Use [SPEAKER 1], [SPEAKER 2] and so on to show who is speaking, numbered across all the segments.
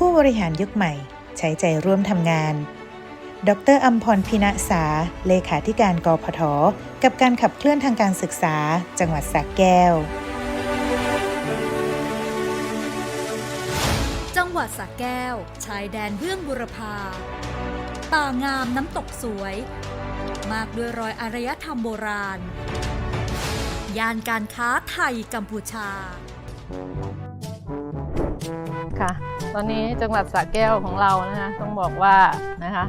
[SPEAKER 1] ผู้บริหารยุคใหม่ใช้ใจร่วมทำงานดร.อัมพร พิณษาเลขาธิการกพท.กับการขับเคลื่อนทางการศึกษาจังหวัดสระแก้ว
[SPEAKER 2] จังหวัดสระแก้วชายแดนเบื้องบุรพาป่างามน้ำตกสวยมากด้วยรอยอารยธรรมโบราณย่านการค้าไทยกัมพูชา
[SPEAKER 3] ค่ะตอนนี้จังหวัดสระแก้วของเรานะคะต้องบอกว่านะคะ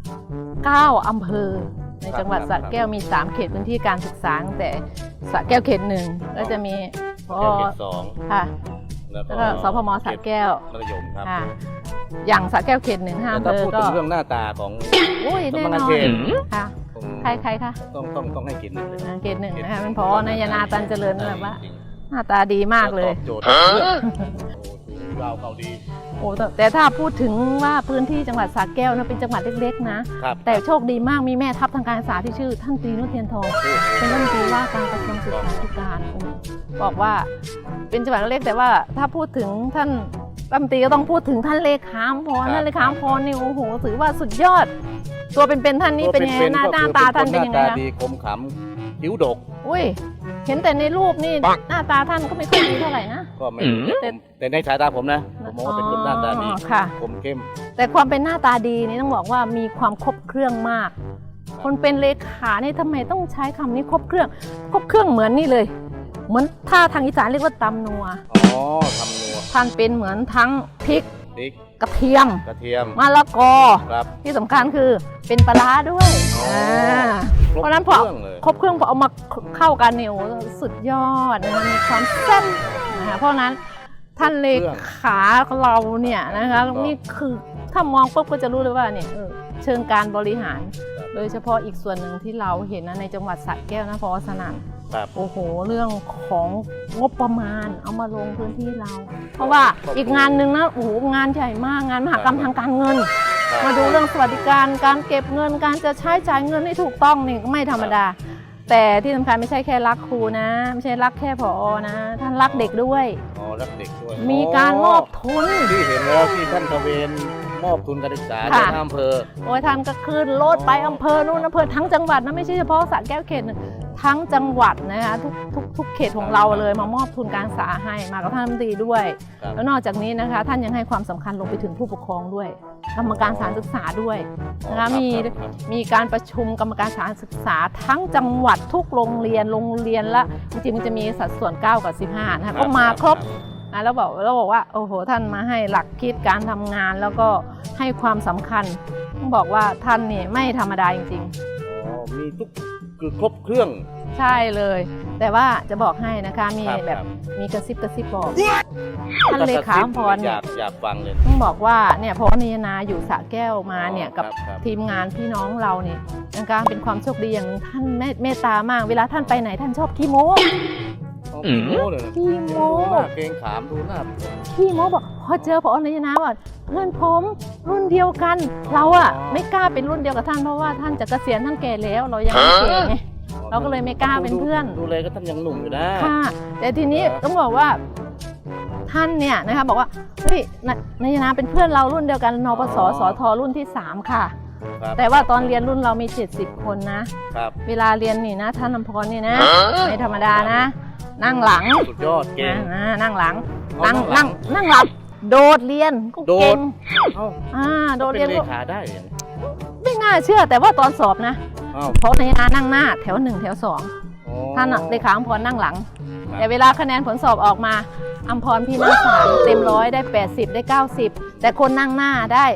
[SPEAKER 3] 9 อำเภอในจังหวัดสระแก้วมี3เขตพื้นที่การศึกษาแต่สระแก้วเขต1ก็จะมีพอค่ะแล้วก็สพมสระแก้วมัธยมครับอย่างสระแก้วเขต1 5 อำเภอก็
[SPEAKER 4] พูดถึงเรื่องหน้าตาของ
[SPEAKER 3] แน่นอนค่ะใครคะ
[SPEAKER 4] ต้องให้เขต1เลย
[SPEAKER 3] เขต1นะคะเป็นพอนายนาตันเจริญแบบว่าหน้าตาดีมากเลย
[SPEAKER 4] โจทย์เราเขาดี
[SPEAKER 3] โอ้แต่ถ้าพูดถึงว่าพื้นที่จังหวัดสระแก้วนะเป็นจังหวัดเล็กๆนะแต่โชคดีมากมีแม่ทัพทางการศึกษาที่ชื่อท่านตรีนุชเทียนทองเป็นรัฐมนตรีว่าการกระทรวงศึกษาธิการบอกว่าเป็นจังหวัดเล็กแต่ว่าถ้าพูดถึงท่านรัฐมนตรีก็ต้องพูดถึงท่านเลขาอัมพรท่านเลขาอัมพรนี่โอ้โหถือว่าสุดยอดตัวเป็นๆท่านนี่เป็นยังไงหน้าตาท่านเป็นยังไงคะ
[SPEAKER 4] ดีคมขำคิ้วดก
[SPEAKER 3] อุ้ยเห็นแต่ในรูปนี่หน้าตาท่านก็ไม่ค่อยดีเท่าไหร่นะ
[SPEAKER 4] ก็ไม่แต่ในสายตาผมนะผมมองว่าเป็นคนหน้าตาดีคมเข้ม
[SPEAKER 3] แต่ความเป็นหน้าตาดีนี่ต้องบอกว่ามีความครบเครื่องมากคนเป็นเลขานี่ทำไมต้องใช้คำนี้ครบเครื่องเหมือนนี่เลยเหมือนถ้าทางอีสานเรียกว่าตำนัว
[SPEAKER 4] ตำนัว
[SPEAKER 3] ท่านเป็นเหมือนทั้งพริกกระเทียมมะละกอที่สำคัญคือเป็นปลาร้าด้วยเพราะนั้นพอครบเครื่องพอเอามาเข้ากันเนี่ยสุดยอดนะคะมีความแซ่บนะคะเพราะนั้นท่านเลขาของเราเนี่ยนะคะนี่คือถ้ามองปุ๊บก็จะรู้เลยว่าเนี่ยเชิงการบริหารโดยเฉพาะอีกส่วนหนึ่งที่เราเห็นนะในจังหวัดสระแก้วนะพอสนั่นโอ้โหเรื่องของงบประมาณเอามาลงพื้นที่เราเพราะว่าอีกงานหนึ่งนะโอ้โหงานใหญ่มากงานมหกรรมทางการเงินมาดูเรื่องสวัสดิการการเก็บเงินการจะใช้จ่ายเงินให้ถูกต้องนี่ไม่ธรรมดาแต่ที่สำคัญไม่ใช่แค่รักครูนะไม่ใช่รักแค่ผอนะท่านรักเด็กด้วย
[SPEAKER 4] รักเด็กด้วย
[SPEAKER 3] มีการมอบทุน
[SPEAKER 4] ที่เห็นแล้วที่ท่านตะเวนมอบทุนการศึกษาในอำเภอ
[SPEAKER 3] โอ้ยท่านก็ขึ้นรถไปอำเภอนู่นอำเภอทั้งจังหวัดนะไม่ใช่เฉพาะสระแก้วเขตหนึ่งทั้งจังหวัดนะคะทุกเขตของเราเลยมามอบทุนการศึกษาให้มากับท่านรัฐมนตรีด้วยแล้วนอกจากนี้นะคะท่านยังให้ความสำคัญลงไปถึงผู้ปกครองด้วยกรรมการสถานศึกษาด้วยนะคะมีการประชุมกรรมการสถานศึกษาทั้งจังหวัดทุกโรงเรียนละจริงๆมันจะมีสัดส่วน9 กับ 15นะคะก็มาครบแล้วบอกว่าโอ้โหท่านมาให้หลักคิดการทำงานแล้วก็ให้ความสำคัญต้องบอกว่าท่านนี่ไม่ธรรมดาจริง
[SPEAKER 4] ๆมีทุกคือครบเครื่อง
[SPEAKER 3] ใช่เลยแต่ว่าจะบอกให้นะคะมีแบบมีกระซิบบอกท่านเลขาอัมพร
[SPEAKER 4] อยากฟังเลย
[SPEAKER 3] ต้องบอกว่าเนี่ยพอนิยนาอยู่สระแก้วมาเนี่ยกับทีมงานพี่น้องเราเนี่ยนะคะเป็นความโชคดีอย่างนึงท่านเมตตามากเวลาท่านไปไหนท่านชอบขี้โม้
[SPEAKER 4] ขี้โม้เลยขี้โม้เกรงขามดูหน้า
[SPEAKER 3] ขี้โม้บอกพอเจอพอนิยนาว่าเพื่อนผมรุ่นเดียวกันเราอะไม่กล้าเป็นรุ่นเดียวกับท่านเพราะว่าท่านจะเกษียณท่านแก่แล้วเรายังไม่แก่ไงเราก็เลยไม่กล้าเป็นเพื่อน
[SPEAKER 4] ดูเลยก็ท่านยังหนุ่มอยู่นะ
[SPEAKER 3] ค่ะแต่ทีนี้ต้องบอกว่าท่านเนี่ยนะคะบอกว่าเฮ้ยนายนาเป็นเพื่อนเรารุ่นเดียวกันนปสสทรุ่นที่3ค่ะแต่ว่าตอนเรียนรุ่นเรามี70 คนนะเวลาเรียนนี่นะท่านอัมพรนี่นะไม่ธรรมดานะนั่งหลัง
[SPEAKER 4] สุดยอดเก่ง
[SPEAKER 3] นั่งหลังนั่งหลับโดดเรียนก็เก่งโดดเรียน
[SPEAKER 4] ก็เลขาได้
[SPEAKER 3] ไม่น่าเชื่อแต่ว่าตอนสอบนะเพราะนายนานั่งหน้าแถว1 แถว 2ท่านเลขาอัมพรนั่งหลังแต่เวลาคะแนนผลสอบออกมาอัมพรพี่นักศึกษาเต็ม100ได้80ได้90แต่คนนั่งหน้าได้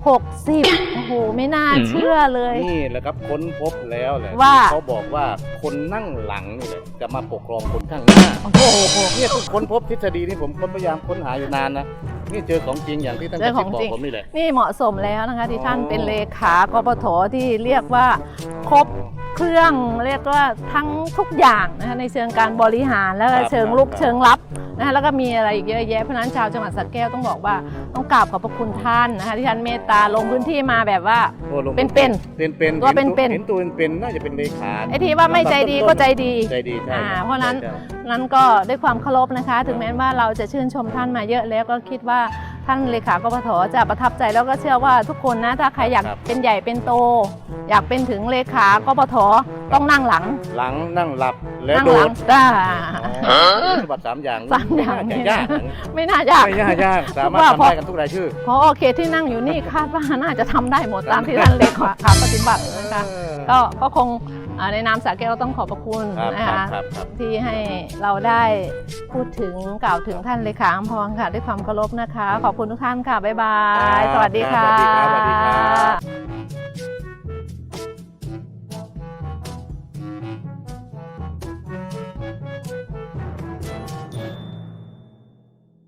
[SPEAKER 3] 60โอ้โหไม่น่าเชื่อเลย
[SPEAKER 4] นี่แหละครับค้นพบแล้วแหละ
[SPEAKER 3] ว่า
[SPEAKER 4] เขาบอกว่าคนนั่งหลังนี่แหละจะมาปกครองคนข้างหน้าโอ้โหเนี่ยค้นพบทฤษฎีนี่ผมพยายามค้นหาอยู่นานนะนี่เจอของจริงอย่างที่ท่านบอกผมนี่แหละ
[SPEAKER 3] นี่เหมาะสมแล้วนะคะที่ท่านเป็นเลขากปทที่เรียกว่าครบเครื่องเรียกว่าทั้งทุกอย่างนะคะในเชิงการบริหารแล้วก็เชิงลุกเชิงรับนะคะแล้วก็มีอะไรอีกเยอะแยะเพราะนั้นชาวจังหวัดสระแก้วต้องบอกว่าต้องกราบขอบพระคุณท่านนะคะที่ท่านเมตตาลงพื้นที่มาแบบว่าเป็นตัวเป็น
[SPEAKER 4] เห็นตัวเป็นน่าจะเป็นเลขา
[SPEAKER 3] ไอ้ที่ว่าไม่ใจดีก็ใจดีใช่เพราะนั้นก็ด้วยความเคารพนะคะถึงแม้ว่าเราจะชื่นชมท่านมาเยอะแล้วก็คิดว่าท่านเลขากปทจะประทับใจแล้วก็เชื่อว่าทุกคนนะถ้าใครอยากเป็นใหญ่เป็นโต อยากเป็นถึงเลขากปทต้องนั่งหลัง
[SPEAKER 4] นั่งหลับแล้ว
[SPEAKER 3] นั่ง
[SPEAKER 4] โด
[SPEAKER 3] หลั
[SPEAKER 4] ด
[SPEAKER 3] ง
[SPEAKER 4] สมบัติ3 อย่าง
[SPEAKER 3] สามอย่าง
[SPEAKER 4] ไม่น่าจะยาก
[SPEAKER 3] ไม่น่ายาก
[SPEAKER 4] ไม่ยากสามารถทำได้กันทุกรายชื่อ
[SPEAKER 3] พอเขตที่นั่งอยู่นี่คาดว่าน่าจะทำได้หมดตามที่ท่านเลขาปฏิบัตินะคะก็คงในนามสาแก้วต้องขอบพระคุณนะคะที่ให้เราได้พูดถึงกล่าวถึงท่านเลขาอำพรค่ะด้วยความเคารพนะคะ ขอบคุณทุกท่านค่ะบ๊ายบายสวัสดีค่ะ
[SPEAKER 4] สวัสดีครับ